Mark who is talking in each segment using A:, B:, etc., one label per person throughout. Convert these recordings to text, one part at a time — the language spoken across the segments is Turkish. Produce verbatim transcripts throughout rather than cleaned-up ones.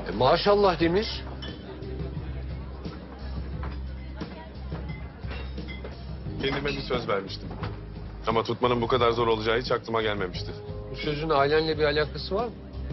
A: E, maşallah Demir.
B: Kendime bir söz vermiştim. Ama tutmanın bu kadar zor olacağı hiç aklıma gelmemişti.
A: Bu sözün ailenle bir alakası var mı?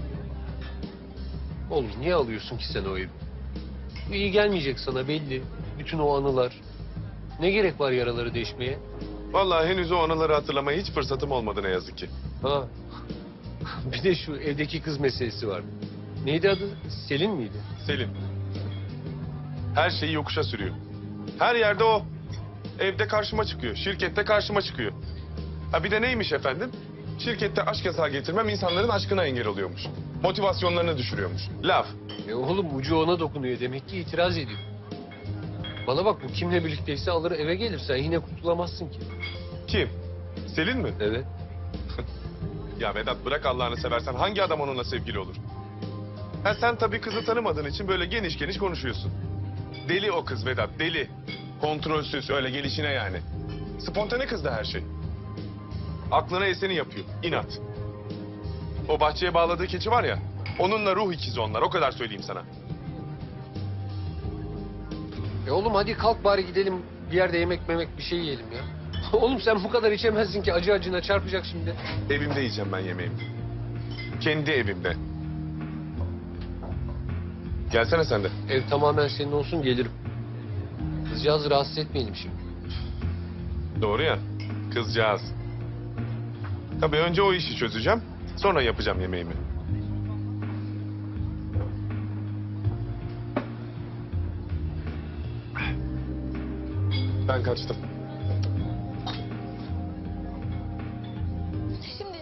A: Oğlum niye alıyorsun ki sen o evi? Bu iyi gelmeyecek sana belli. Bütün o anılar. Ne gerek var yaraları deşmeye?
B: Vallahi henüz o anıları hatırlamaya hiç fırsatım olmadı ne yazık ki.
A: Ha. Bir de şu evdeki kız meselesi var. Neydi adı? Selin miydi?
B: Selin. Her şeyi yokuşa sürüyor. Her yerde o. Evde karşıma çıkıyor, şirkette karşıma çıkıyor. Ha bir de neymiş efendim? Şirkette aşk yasağı getirmem insanların aşkına engel oluyormuş. Motivasyonlarını düşürüyormuş. Laf.
A: E oğlum ucu ona dokunuyor. Demek ki itiraz ediyor. Bana bak bu kimle birlikteyse alır eve gelir. Sen yine kurtulamazsın ki.
B: Kim? Selin mi?
A: Evet.
B: Ya Vedat bırak Allah'ını seversen hangi adam onunla sevgili olur? Ha sen tabii kızı tanımadığın için böyle geniş geniş konuşuyorsun. Deli o kız Vedat, deli. Kontrolsüz, öyle gelişine yani. Spontane kız da her şey. Aklına eseni yapıyor, inat. O bahçeye bağladığı keçi var ya, onunla ruh ikizi onlar, o kadar söyleyeyim sana.
A: E oğlum hadi kalk bari gidelim bir yerde yemek memek bir şey yiyelim ya. Oğlum sen bu kadar içemezsin ki acı acına çarpacak şimdi.
B: Evimde yiyeceğim ben yemeğimi. Kendi evimde. Gelsene sen de.
A: Ev tamamen senin olsun gelirim. Kızcağızı rahatsız etmeyelim şimdi.
B: Doğru ya, kızcağız. Tabii önce o işi çözeceğim, sonra yapacağım yemeğimi. Ben kaçtım.
C: Şimdi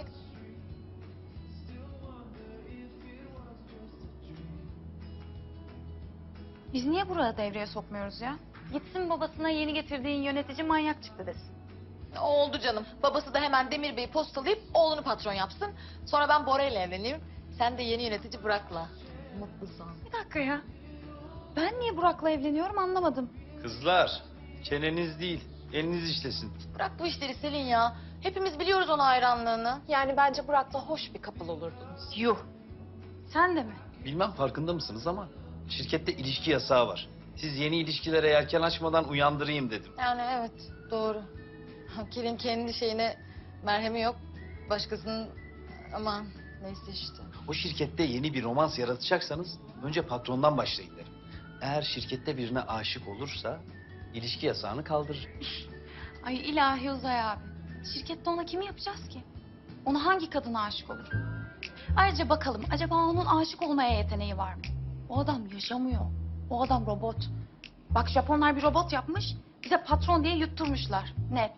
D: Biz niye burada devreye sokmuyoruz ya? Gitsin babasına yeni getirdiğin yönetici manyak çıktı desin.
C: oldu canım. Babası da hemen Demir Bey'i postalayıp oğlunu patron yapsın. Sonra ben Bora ile evleneyim. Sen de yeni yönetici Burak'la. Mutlu son.
D: Bir dakika ya. Ben niye Burak'la evleniyorum anlamadım.
E: Kızlar, çeneniz değil, eliniz işlesin.
C: Bırak bu işleri Selin ya. Hepimiz biliyoruz ona hayranlığını.
F: Yani bence Burak'la hoş bir couple olurdunuz.
D: Yuh. Sen de mi?
E: Bilmem farkında mısınız ama şirkette ilişki yasağı var. Siz yeni ilişkilere yelken açmadan uyandırayım dedim.
C: Yani evet doğru. Kelin kendi şeyine merhemi yok. Başkasının aman neyse işte.
E: O şirkette yeni bir romans yaratacaksanız önce patrondan başlayın derim. Eğer şirkette birine aşık olursa ilişki yasağını kaldırır.
D: Ay ilahi Uzay abi. Şirkette ona kimi yapacağız ki? Ona hangi kadına aşık olur? Ayrıca bakalım acaba onun aşık olmaya yeteneği var mı? O adam yaşamıyor. O adam robot. Bak Japonlar bir robot yapmış. Bize patron diye yutturmuşlar. Net.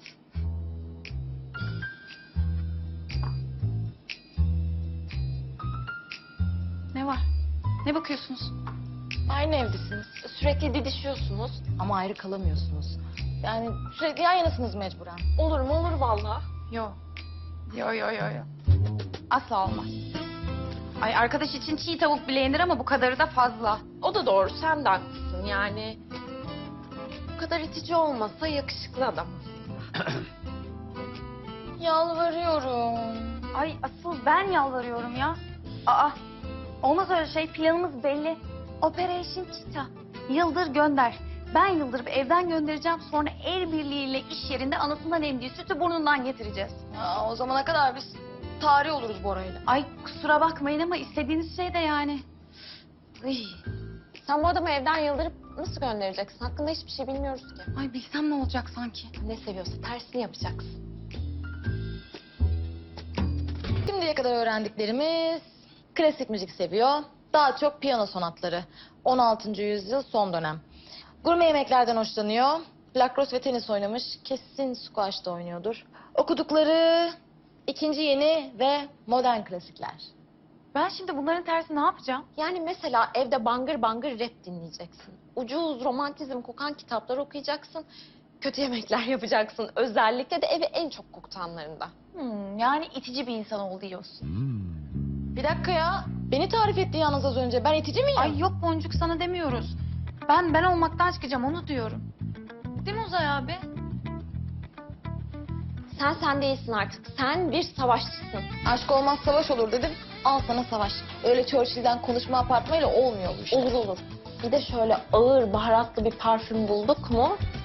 D: Ne var? Ne bakıyorsunuz?
C: Aynı evdesiniz. Sürekli didişiyorsunuz ama ayrı kalamıyorsunuz. Yani sürekli yan yanasınız mecburen.
F: Olur mu olur vallahi.
D: Yo. Yo yo yo yo. Asla olmaz. Ay arkadaş için çiğ tavuk bile yenir ama bu kadarı da fazla.
F: O da doğru, sen de haklısın yani. Bu kadar itici olmasa yakışıklı adam.
C: Yalvarıyorum.
D: Ay asıl ben yalvarıyorum ya. Aa olmaz öyle şey, planımız belli. Operation Cheetah. Yıldır gönder. Ben yıldırıp evden göndereceğim, sonra el birliğiyle iş yerinde anasından emdiği sütü burnundan getireceğiz.
C: Ya, o zamana kadar biz tarih oluruz Bora'yla.
D: Ay kusura bakmayın ama istediğiniz şey de yani. Iy.
F: Sen bu adamı evden yıldırıp nasıl göndereceksin? Hakkında hiçbir şey bilmiyoruz ki.
D: Ay bilsem ne olacak sanki.
F: Ne seviyorsa tersini yapacaksın.
C: Şimdiye kadar öğrendiklerimiz klasik müzik seviyor. Daha çok piyano sonatları. on altıncı yüzyıl son dönem. Gurme yemeklerden hoşlanıyor. Lacrosse ve tenis oynamış. Kesin squash da oynuyordur. Okudukları ikinci yeni ve modern klasikler.
D: Ben şimdi bunların tersi ne yapacağım?
F: Yani mesela evde bangır bangır rap dinleyeceksin. Ucuz romantizm kokan kitaplar okuyacaksın. Kötü yemekler yapacaksın. Özellikle de evi en çok kokutanlarında.
D: Hmm, yani itici bir insan ol diyorsun.
C: Bir dakika ya. Beni tarif etti yalnız az önce. Ben itici miyim?
D: Ay yok Boncuk sana demiyoruz. Ben ben olmaktan çıkacağım onu diyorum. Değil mi Uzay abi?
F: Sen sen değilsin artık. Sen bir savaşçısın.
C: Aşk olmaz savaş olur dedim. Al sana savaş. Öyle Churchill'den konuşma apartmayla olmuyor bu işler.
F: Olur olur. Bir de şöyle ağır baharatlı bir parfüm bulduk mu